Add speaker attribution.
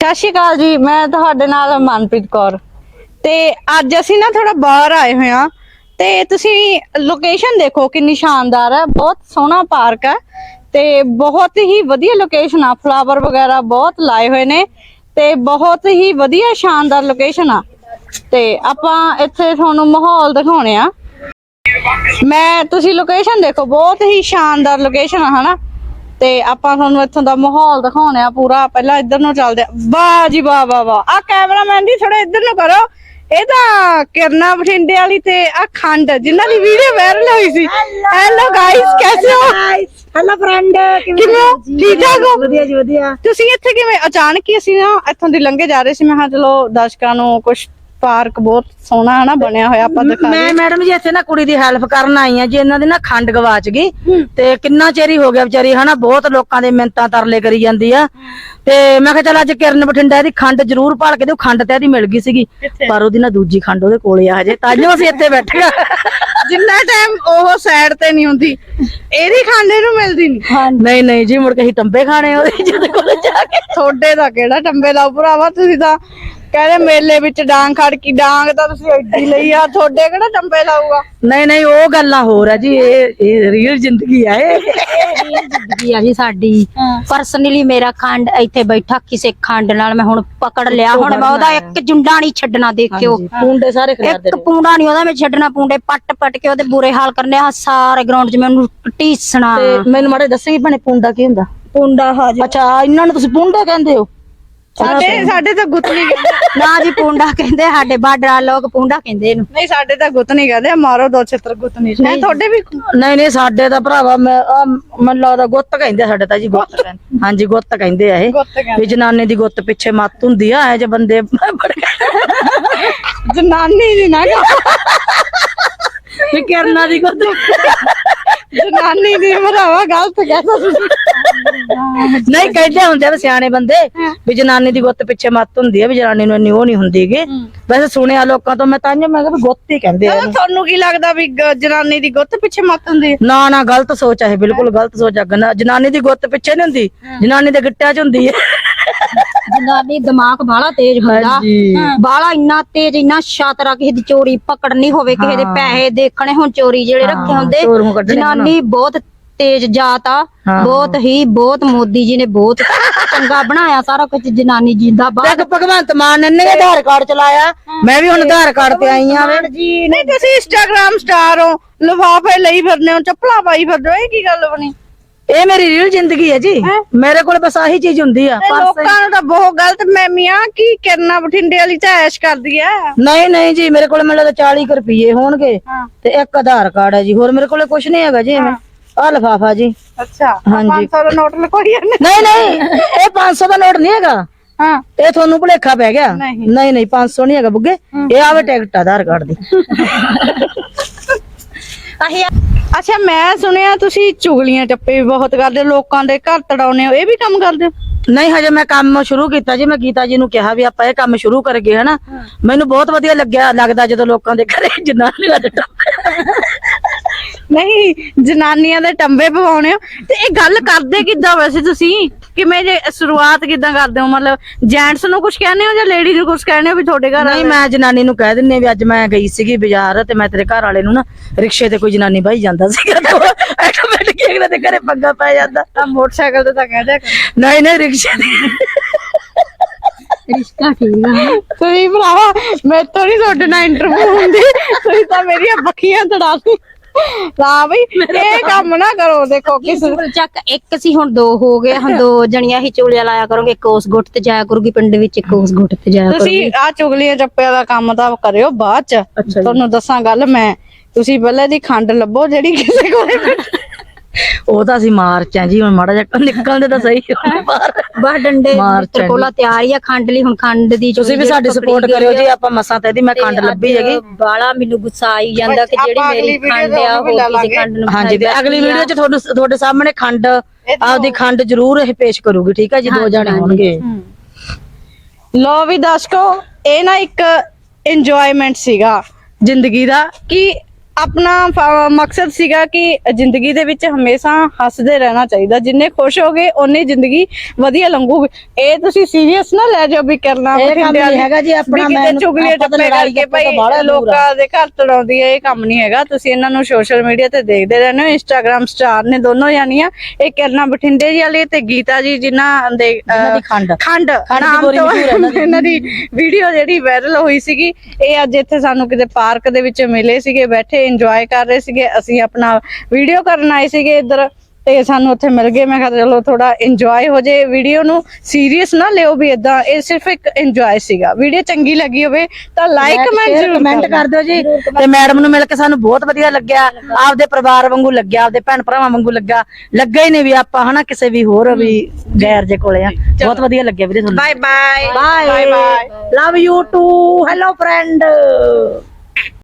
Speaker 1: ਸਤਿ ਸ਼੍ਰੀ ਅਕਾਲ ਜੀ। ਮੈਂ ਤੁਹਾਡੇ ਨਾਲ ਮਨਪ੍ਰੀਤ ਕੌਰ ਤੇ ਅੱਜ ਅਸੀਂ ਨਾ ਥੋੜਾ ਬਾਹਰ ਆਏ ਹੋਏ ਆ ਤੇ ਤੁਸੀਂ ਲੋਕੇਸ਼ਨ ਦੇਖੋ ਕਿੰਨੀ ਸ਼ਾਨਦਾਰ ਹੈ। ਬਹੁਤ ਸੋਹਣਾ ਪਾਰਕ ਹੈ ਤੇ ਬਹੁਤ ਹੀ ਵਧੀਆ ਲੋਕੇਸ਼ਨ ਆ। ਫਲਾਵਰ ਵਗੈਰਾ ਬਹੁਤ ਲਾਏ ਹੋਏ ਨੇ ਤੇ ਬਹੁਤ ਹੀ ਵਧੀਆ ਸ਼ਾਨਦਾਰ ਲੋਕੇਸ਼ਨ ਆ ਤੇ ਆਪਾਂ ਇੱਥੇ ਤੁਹਾਨੂੰ ਮਾਹੌਲ ਦਿਖਾਉਣੇ ਆ। ਤੁਸੀਂ ਲੋਕੇਸ਼ਨ ਦੇਖੋ, ਬਹੁਤ ਹੀ ਸ਼ਾਨਦਾਰ ਲੋਕੇਸ਼ਨ ਆ ਹਨਾ। ਤੇ ਆਪਾਂ ਤੁਹਾਨੂੰ ਇੱਥੋਂ ਦਾ ਮਾਹੌਲ ਦਿਖਾਉਣੇ ਆ ਪੂਰਾ। ਪਹਿਲਾਂ ਇੱਧਰ ਨੂੰ ਚੱਲਦੇ ਆ। ਵਾਹ ਜੀ ਵਾਹ ਵਾਹ ਵਾਹ। ਆ ਕੈਮਰਾਮੈਨ ਜੀ ਥੋੜਾ ਇੱਧਰ ਨੂੰ ਕਰੋ। ਇਹ ਤਾਂ ਕਿਰਨਾ ਬਠਿੰਡੇ ਵਾਲੀ ਤੇ ਆ ਖੰਡ ਜਿਨ੍ਹਾਂ ਦੀ ਵੀਡੀਓ ਵਾਇਰਲ ਹੋਈ ਸੀ। ਹੈਲੋ ਗਾਇਸ, ਕੈਸੇ ਹੋ?
Speaker 2: ਹੈਲੋ ਫਰੈਂਡ,
Speaker 1: ਕਿਵੇਂ ਹੋ? ਠੀਕ ਠਾਕ ਹੋ?
Speaker 2: ਵਧੀਆ ਜੀ ਵਧੀਆ।
Speaker 1: ਤੁਸੀਂ ਇੱਥੇ ਕਿਵੇਂ ਅਚਾਨਕ ਹੀ? ਅਸੀਂ ਨਾ ਇੱਥੋਂ ਦੀ ਲੰਘੇ ਜਾ ਰਹੇ ਸੀ। ਮੈਂ ਕਿਹਾ ਚਲੋ ਦਰਸ਼ਕਾਂ ਨੂੰ ਕੁਛ ਪਾਰਕ ਬਹੁਤ ਸੋਹਣਾ ਹੈ ਨਾ ਬਣਿਆ ਹੋਇਆ, ਆਪਾਂ ਦਿਖਾ
Speaker 2: ਮੈਂ ਮੈਡਮ ਜੀ ਇੱਥੇ ਨਾ ਕੁੜੀ ਦੀ ਹੈਲਪ ਕਰਨ ਆਈ ਆ ਜੀ। ਇਹਨਾਂ ਦੀ ਨਾ ਖੰਡ ਗਵਾਚ ਗਈ ਤੇ ਕਿੰਨਾ ਚਿਰ ਹੀ ਹੋ ਗਿਆ ਵਿਚਾਰੀ ਹਨਾ। ਬਹੁਤ ਲੋਕਾਂ ਦੇ ਮਿੰਤਾਂ ਤਰਲੇ ਕਰੀ ਜਾਂਦੀ ਆ ਤੇ ਮੈਂ ਕਿਹਾ ਚੱਲ ਅੱਜ ਕਿਰਨ ਬਠਿੰਡਾ ਇਹਦੀ ਖੰਡ ਜ਼ਰੂਰ ਭਾਲ ਕੇ ਦਿਓ। ਖੰਡ ਤੇ ਇਹਦੀ ਮਿਲ ਗਈ ਸੀਗੀ ਪਰ ਉਹਦੀ ਨਾ ਦੂਜੀ ਖੰਡ ਉਹਦੇ ਕੋਲੇ ਆ ਹਜੇ, ਤਾਂਹੀਓ ਅਸੀਂ ਇੱਥੇ ਬੈਠੇ ਆ।
Speaker 1: ਜਿੰਨਾ ਟਾਈਮ ਉਹ ਸਾਈਡ ਤੇ ਨਹੀਂ ਹੁੰਦੀ ਇਹਦੀ ਖੰਡ ਇਹਨੂੰ ਮਿਲਦੀ ਨਹੀਂ।
Speaker 2: ਨਹੀਂ ਨਹੀਂ ਜੀ, ਮੁੜ ਕੇ ਅਸੀਂ ਟੰਬੇ ਖਾਣੇ ਉਹਦੇ ਜਿਹਦੇ ਕੋਲ ਜਾ ਕੇ।
Speaker 1: ਤੁਹਾਡੇ ਦਾ ਕਿਹੜਾ ਟੰਬੇ ਲਾਓ ਭਰਾਵਾ। ਤੁਸੀਂ ਤਾਂ ਕਹਿੰਦੇ ਮੇਲੇ ਵਿੱਚ ਡਾਂਗ ਖੜਕੀ। ਡਾਂਗ ਤਾਂ ਤੁਸੀਂ ਐਡੀ ਲਈ ਆ, ਤੁਹਾਡੇ ਕਿਹੜਾ ਟੰਬੇ ਲਾਊਗਾ।
Speaker 2: ਨਹੀਂ ਨਹੀਂ, ਉਹ ਗੱਲਾਂ ਹੋਰ ਆ ਜੀ। ਇਹ ਰੀਅਲ ਜ਼ਿੰਦਗੀ ਆ। ਇਹ
Speaker 3: ਜ਼ਿੰਦਗੀ ਆ ਜੀ ਸਾਡੀ। ਪਰਸਨਲੀ ਮੇਰਾ ਖੰਡ ਇੱਥੇ ਬੈਠਾ ਕਿਸੇ ਖੰਡ ਨਾਲ ਮੈਂ ਹੁਣ ਪਕੜ ਲਿਆ। ਹੁਣ ਮੈਂ ਉਹਦਾ ਇੱਕ ਜੁੰਡਾ ਨਹੀਂ ਛੱਡਣਾ। ਦੇਖਿਓ
Speaker 2: ਪੁੰਡੇ ਸਾਰੇ ਖਿਲਾਰਦੇ
Speaker 3: ਇੱਕ ਪੂੰਡਾ ਨਹੀਂ ਉਹਦਾ ਮੈਂ ਛੱਡਣਾ। ਪੂੰਡੇ ਪੱਟ ਕੇ ਉਹਦੇ ਬੁਰੇ ਹਾਲ ਕਰਨੇ ਆ ਸਾਰੇ ਗਰਾਊਂਡ 'ਚ। ਮੈਨੂੰ ਟੀਸਣਾ।
Speaker 2: ਤੇ ਮੈਨੂੰ ਮਾੜੇ ਦੱਸੇਗੀ ਭਣੇ ਪੁੰਡਾ ਕੀ ਹੁੰਦਾ?
Speaker 3: ਪੁੰਡਾ ਹਾਜੀ।
Speaker 2: ਅੱਛਾ, ਇਹਨਾਂ ਨੂੰ ਤੁਸੀਂ ਪੁੰਡੇ ਕਹਿੰਦੇ ਹੋ?
Speaker 1: ਸਾਡੇ ਤਾਂ ਗੁੱਤ ਨਹੀਂ ਕਹਿੰਦੇ।
Speaker 3: ਨਾ ਜੀ ਪੁੰਡਾ ਕਹਿੰਦੇ ਸਾਡੇ ਬਾਰਡਰ ਲੋਕ ਪੁੰਡਾ ਕਹਿੰਦੇ ਇਹਨੂੰ।
Speaker 1: ਨਹੀਂ ਸਾਡੇ ਤਾਂ ਗੁੱਤ ਨਹੀਂ ਕਹਿੰਦੇ। ਮਾਰੋ ਦੋ ਛਿੱਤਰ ਗੁੱਤ ਨਹੀਂ। ਨਹੀਂ ਤੁਹਾਡੇ ਵੀ
Speaker 2: ਨਹੀਂ ਨਹੀਂ, ਸਾਡੇ ਤਾਂ ਭਰਾਵਾ ਮੈਨੂੰ ਲੱਗਦਾ ਗੁੱਤ ਕਹਿੰਦੇ ਸਾਡੇ ਤਾਂ ਜੀ। ਗੁੱਤ ਕਹਿੰਦੇ, ਹਾਂਜੀ ਗੁੱਤ ਕਹਿੰਦੇ ਆ ਇਹ। ਵੀ ਜਨਾਨੇ ਦੀ ਗੁੱਤ ਪਿੱਛੇ ਮੱਤ ਹੁੰਦੀ ਆ। ਇਹ ਜੇ ਬੰਦੇ
Speaker 1: ਜਨਾਨੀ ਦੀ ਨਾ
Speaker 2: ਵੀ ਕਿਰਨਾਂ ਦੀ ਗੁੱਤ
Speaker 1: ਜਨਾਨੀ ਦੀ ਭਰਾਵਾ ਗਲਤ ਕਹਿੰਦਾ ਤੁਸੀਂ।
Speaker 2: ਨਹੀਂ ਕਹਿੰਦੇ ਹੁੰਦੇ ਆ ਸਿਆਣੇ ਬੰਦੇ ਵੀ ਜਨਾਨੀ ਦੀ ਗੁੱਤ ਪਿੱਛੇ ਮੱਤ ਹੁੰਦੀ ਆ, ਵੀ ਜਨਾਨੀ ਨੂੰ ਇੰਨੀ ਉਹ ਨਹੀਂ ਹੁੰਦੀਗੀ। ਵੈਸੇ ਸੁਣਿਆ ਲੋਕਾਂ ਤੋਂ ਮੈਂ ਤਾਂ ਮੈਂ ਕਿਹਾ ਵੀ ਗੁੱਤ ਹੀ ਕਹਿੰਦੇ ਆ।
Speaker 1: ਤੁਹਾਨੂੰ ਕੀ ਲੱਗਦਾ ਵੀ ਜਨਾਨੀ ਦੀ ਗੁੱਤ ਪਿੱਛੇ ਮੱਤ ਹੁੰਦੀ ਹੈ?
Speaker 2: ਨਾ ਨਾ, ਗਲਤ ਸੋਚ ਹੈ, ਬਿਲਕੁਲ ਗਲਤ ਸੋਚ ਹੈ। ਜਨਾਨੀ ਦੀ ਗੁੱਤ ਪਿੱਛੇ ਨਹੀਂ ਹੁੰਦੀ, ਜਨਾਨੀ ਦੇ ਗਿੱਟਿਆਂ 'ਚ ਹੁੰਦੀ ਹੈ।
Speaker 3: ਜਨਾਨੀ ਦਿਮਾਗ ਬਾਹਲਾ ਤੇਜ਼ ਹੁੰਦਾ। ਬਾਹਲਾ ਇੰਨਾ ਤੇਜ਼, ਇੰਨਾ ਸ਼ਾਤਰਾ। ਕਿਸੇ ਦੀ ਚੋਰੀ ਪਕੜਨੀ ਹੋਵੇ, ਕਿਸੇ ਦੇ ਪੈਸੇ ਦੇਖਣੇ ਹੁਣ, ਚੋਰੀ ਜਿਹੜੇ ਰੱਖੇ ਹੁੰਦੇ। ਜਨਾਨੀ ਬਹੁਤ ਤੇਜ਼ ਜਾਤ ਆ। ਬਹੁਤ ਮੋਦੀ ਜੀ ਨੇ ਬਹੁਤ ਚੰਗਾ ਬਣਾਇਆ ਸਾਰਾ ਕੁਝ। ਜਨਾਨੀ ਜਿੰਦਾਬਾਦ।
Speaker 2: ਭਗਵੰਤ ਮਾਨ ਨੇ ਆਧਾਰ ਕਾਰਡ ਚਲਾਇਆ। ਮੈਂ ਵੀ ਹੁਣ ਆਧਾਰ ਕਾਰਡ ਤੇ ਆਈ ਆ।
Speaker 1: ਨਹੀਂ ਤੁਸੀਂ ਇੰਸਟਾਗ੍ਰਾਮ ਸਟਾਰ ਹੋ, ਲਿਫਾਫੇ ਲਈ ਫਿਰਦੇ ਹੋ, ਚੱਪਲਾਂ ਪਾਈ ਫਿਰਦੇ ਹੋ, ਇਹ ਕੀ ਗੱਲ ਬਣੀ?
Speaker 2: ਇਹ ਮੇਰੀ ਰੀਅਲ ਜ਼ਿੰਦਗੀ ਹੈ ਜੀ। ਮੇਰੇ ਕੋਲ ਬਸ ਆਹੀ ਚੀਜ਼ ਹੁੰਦੀ ਆ।
Speaker 1: ਲੋਕਾਂ ਨੂੰ ਤਾਂ ਬਹੁਤ ਗਲਤ ਮਹਿਮੀਆਂ ਕੀ ਕਿਰਨਾ ਬਠਿੰਡੇ ਵਾਲੀ ਤਾਂ ਐਸ਼ ਕਰਦੀ ਐ।
Speaker 2: ਨਹੀਂ ਨਹੀਂ ਜੀ, ਮੇਰੇ ਕੋਲ ਮੈਨੂੰ ਲੱਗਦਾ 40 ਰੁਪਏ ਹੋਣਗੇ ਤੇ ਇੱਕ ਆਧਾਰ ਕਾਰਡ ਹੈ ਜੀ। ਹੋਰ ਮੇਰੇ ਕੋਲ ਕੁਝ ਨਹੀਂ ਹੈਗਾ ਜੀ। ਆਹ ਲਿਫਾਫਾ ਜੀ।
Speaker 1: ਅੱਛਾ, 500 ਦਾ ਨੋਟ ਲਕੋਈ ਜਾਂਦੇ।
Speaker 2: ਨਹੀਂ ਨਹੀਂ, ਇਹ 500 ਦਾ ਨੋਟ ਨਹੀਂ ਹੈਗਾ।
Speaker 1: ਹਾਂ,
Speaker 2: ਇਹ ਤੁਹਾਨੂੰ ਭੁਲੇਖਾ ਪੈ ਗਿਆ। ਨਹੀਂ ਨਹੀਂ, 500 ਨਹੀਂ ਹੈਗਾ ਬੁੱਗੇ। ਇਹ ਆਵੇ ਟਿਕਟ ਆਧਾਰ ਕਾਰਡ ਦੀ।
Speaker 1: ਅੱਛਾ, ਮੈਂ ਸੁਣਿਆ ਤੁਸੀਂ ਚੁਗਲੀਆਂ ਟੱਪੇ ਵੀ ਬਹੁਤ ਕਰਦੇ ਹੋ, ਲੋਕਾਂ ਦੇ ਘਰ ਤੜਾਉਨੇ ਹੋ। ਇਹ ਵੀ ਕੰਮ ਕਰਦੇ ਹੋ?
Speaker 2: ਨਹੀਂ, ਹਜੇ ਮੈਂ ਕੰਮ ਸ਼ੁਰੂ ਕੀਤਾ ਜੀ। ਮੈਂ ਗੀਤਾ ਜੀ ਨੂੰ ਕਿਹਾ ਵੀ ਆਪਾਂ ਇਹ ਕੰਮ ਸ਼ੁਰੂ ਕਰ ਗਏ ਹਨਾ। ਮੈਨੂੰ ਬਹੁਤ ਵਧੀਆ ਲੱਗਦਾ ਜਦੋਂ ਲੋਕਾਂ ਦੇ ਘਰੇ ਜਨਾਨੀਆਂ ਦੇ
Speaker 1: ਨਹੀਂ, ਜਨਾਨੀਆਂ ਦੇ ਟੰਬੇ ਪਵਾਉਣੇ ਹੋ। ਤੇ ਇਹ ਗੱਲ ਕਰਦੇ ਕਿੱਦਾਂ ਵੈਸੇ ਤੁਸੀਂ? ਕਿਵੇਂ ਜੇ ਸ਼ੁਰੂਆਤ ਕਿੱਦਾਂ ਕਰਦੇ ਹੋ? ਮਤਲਬ ਜੈਂਟਸ ਨੂੰ ਕੁਝ ਕਹਿੰਦੇ ਹੋ ਜਾਂ ਲੇਡੀ ਨੂੰ ਕੁਝ ਕਹਿੰਦੇ ਹੋ ਵੀ ਤੁਹਾਡੇ ਘਰ?
Speaker 2: ਨਹੀਂ, ਮੈਂ ਜਨਾਨੀ ਨੂੰ ਕਹਿ ਦਿੰਨੀ ਵੀ ਅੱਜ ਮੈਂ ਗਈ ਸੀਗੀ ਬਾਜ਼ਾਰ ਤੇ ਮੈਂ ਤੇਰੇ ਘਰ ਵਾਲੇ ਨੂੰ ਨਾ ਰਿਕਸ਼ੇ ਤੇ ਕੋਈ ਜਨਾਨੀ ਬਾਈ ਜਾਂਦਾ ਸੀਗਾ। ਆਟੋਮੈਟਿਕ ਇਹਨਾਂ ਦੇ ਘਰੇ ਪੰਗਾ ਪੈ ਜਾਂਦਾ।
Speaker 1: ਮੋਟਰਸਾਈਕਲ ਤੇ ਤਾਂ ਕਹਿ ਦਿਆ
Speaker 2: ਨਹੀਂ ਨਹੀਂ, ਰਿਕਸ਼ੇ ਤੇ।
Speaker 3: ਰਿਸ਼ਤਾ ਠੀਕ ਆ।
Speaker 1: ਤੁਸੀਂ ਭਰਾਵਾ ਮੇਰੇ ਤੋਂ ਨਹੀਂ ਤੁਹਾਡੇ ਨਾਲ ਇੰਟਰਵਿਊ ਹੁੰਦੀ। ਤੁਸੀਂ ਤਾਂ ਮੇਰੀਆਂ ਬੱਖੀਆਂ ਤੜਾ ਸੀ। ਲਾ ਬਈ ਇਹ ਕੰਮ ਨਾ ਕਰੋ। ਦੇਖੋ ਕਿਸੇ
Speaker 3: ਚੱਕ ਇੱਕ ਸੀ ਹੁਣ ਦੋ ਹੋ ਗਏ। ਹੁਣ ਦੋ ਜਣੀਆਂ ਹੀ ਚੋਲਿਆ ਲਾਇਆ ਕਰੋਗੇ। ਇੱਕ ਉਸ ਗੁੱਟ ਤੇ ਜਾਇਆ ਕਰੂਗੀ ਪਿੰਡ ਵਿੱਚ, ਇੱਕ ਉਸ ਗੁੱਟ ਤੇ ਜਾਇਆ ਕਰੂਗੀ।
Speaker 1: ਤੁਸੀਂ ਆ ਚੁਗਲੀਆਂ ਚੱਪਿਆਂ ਦਾ ਕੰਮ ਤਾਂ ਕਰਿਓ ਬਾਅਦ ਚ। ਤੁਹਾਨੂੰ ਦੱਸਾਂ ਗੱਲ ਮੈਂ, ਤੁਸੀਂ ਪਹਿਲਾਂ ਦੀ ਖੰਡ ਲੱਭੋ ਜਿਹੜੀ ਕਿਸੇ ਕੋਲੇ।
Speaker 2: ਉਹ ਤਾਂ ਅਸੀਂ ਮਾਰਚ ਆ ਜੀ। ਹੁਣ ਮਾੜਾ ਜਿਹਾ ਨਿਕਲਦੇ ਤਾਂ ਸਹੀ
Speaker 3: ਬਾਹਰ ਡੰਡੇ ਕੋਲਾ ਤਿਆਰ ਹੀ ਆ ਖੰਡ ਲਈ। ਹੁਣ ਖੰਡ ਦੀ
Speaker 2: ਤੁਸੀਂ ਵੀ ਸਾਡੀ ਸਪੋਰਟ ਕਰਿਓ ਜੀ। ਆਪਾਂ ਮਸਾਂ ਤੇ ਇਹਦੀ ਮੈਂ ਖੰਡ ਲੱਭੀ ਹੈਗੀ।
Speaker 3: ਬਾਲਾ ਮੈਨੂੰ ਗੁੱਸਾ ਆਈ ਜਾਂਦਾ ਕਿ ਜਿਹੜੀ ਮੇਰੀ ਖੰਡ ਆ ਉਹ ਕਿਸੇ ਖੰਡ ਨੂੰ।
Speaker 2: ਹਾਂਜੀ, ਤੇ ਅਗਲੀ ਵੀਡੀਓ 'ਚ ਤੁਹਾਡੇ ਸਾਹਮਣੇ ਖੰਡ ਆਪਦੀ ਖੰਡ ਜ਼ਰੂਰ ਇਹ ਪੇਸ਼ ਕਰੂਗੀ। ਠੀਕ ਹੈ ਜੀ, 2 ਜਾਣੇ ਹੋਣਗੇ।
Speaker 1: ਲੋ ਵੀ ਦਰਸ਼ਕੋ, ਇਹ ਨਾ ਇੱਕ ਇੰਜੋਇਮੈਂਟ ਸੀਗਾ ਜ਼ਿੰਦਗੀ ਦਾ ਕਿ ਆਪਣਾ ਮਕਸਦ ਸੀਗਾ ਕਿ ਜ਼ਿੰਦਗੀ ਦੇ ਵਿੱਚ ਹਮੇਸ਼ਾ ਹੱਸਦੇ ਰਹਿਣਾ ਚਾਹੀਦਾ। ਜਿੰਨੇ ਖੁਸ਼ ਹੋਗੇ ਓਨੀ ਜ਼ਿੰਦਗੀ ਵਧੀਆ ਲੰਘੂਗੀ। ਇਹ ਤੁਸੀਂ ਸੀਰੀਅਸ ਨਾ ਲੈ ਜਾਓ ਵੀ ਕਰਨਾ
Speaker 2: ਇਹ ਕੰਮ ਨਹੀਂ ਹੈਗਾ ਜੀ ਆਪਣਾ।
Speaker 1: ਮੈਂ ਚੁਗਲੀਆਂ ਟੱਪੇ ਕਰਕੇ ਭਾਈ ਲੋਕਾਂ ਦੇ ਘਰ ਤੜਾਉਂਦੀ ਹੈ, ਇਹ ਕੰਮ ਨਹੀਂ ਹੈਗਾ। ਤੁਸੀਂ ਇਹਨਾਂ ਨੂੰ ਸੋਸ਼ਲ ਮੀਡੀਆ ਤੇ ਦੇਖਦੇ ਰਹਿੰਦੇ ਹੋ, ਇੰਸਟਾਗ੍ਰਾਮ ਸਟਾਰ ਨੇ ਦੋਨੋਂ ਜਾਨੀਆਂ, ਇਹ ਕਿਰਨਾ ਬਠਿੰਡੇ ਜੀ ਵਾਲੀ ਤੇ ਗੀਤਾ ਜੀ ਜਿਨ੍ਹਾਂ ਦੇ ਖੰਡ ਨਾਮ ਤੋਂ ਇਹਨਾਂ ਦੀ ਵੀਡੀਓ ਜਿਹੜੀ ਵਾਇਰਲ ਹੋਈ ਸੀਗੀ। ਇਹ ਅੱਜ ਇੱਥੇ ਸਾਨੂੰ ਕਿਤੇ ਪਾਰਕ ਦੇ ਵਿੱਚ ਮਿਲੇ ਸੀਗੇ, ਬੈਠੇ ਇੰਜੋਏ ਕਰ ਰਹੇ ਸੀਗੇ। ਅਸੀਂ ਆਪਣਾ ਵੀਡੀਓ ਕਰਨ ਆਏ ਸੀਗੇ ਇੱਧਰ ਤੇ ਸਾਨੂੰ ਉੱਥੇ ਮਿਲ ਗਏ। ਮੈਂ ਕਿਹਾ ਚਲੋ ਥੋੜਾ ਇੰਜੋਏ ਹੋ ਜੇ, ਵੀਡੀਓ ਨੂੰ ਸੀਰੀਅਸ ਨਾ ਲਿਓ ਵੀ ਇਦਾਂ, ਇਹ ਸਿਰਫ ਇੱਕ ਇੰਜੋਏ ਸੀਗਾ। ਵੀਡੀਓ ਚੰਗੀ ਲੱਗੀ ਹੋਵੇ ਤਾਂ ਲਾਈਕ
Speaker 2: ਕਮੈਂਟ ਕਰ ਦਿਓ ਜੀ। ਤੇ ਮੈਡਮ ਨੂੰ ਮਿਲ ਕੇ ਸਾਨੂੰ ਬਹੁਤ ਵਧੀਆ ਲੱਗਿਆ, ਆਪਦੇ ਪਰਿਵਾਰ ਵਾਂਗੂ ਲੱਗਿਆ, ਆਪਦੇ ਭੈਣ ਭਰਾਵਾਂ ਵਾਂਗੂ ਲੱਗਾ ਹੀ ਨਹੀਂ ਵੀ ਆਪਾਂ ਹਨਾ ਕਿਸੇ ਵੀ ਹੋਰ ਵੀ ਗੈਰ ਜੇ ਕੋਲੇ ਆ। ਬਹੁਤ ਵਧੀਆ ਲੱਗਿਆ ਵੀਰੇ ਤੁਹਾਨੂੰ।
Speaker 1: Bye bye
Speaker 2: bye bye, love you too, hello friend.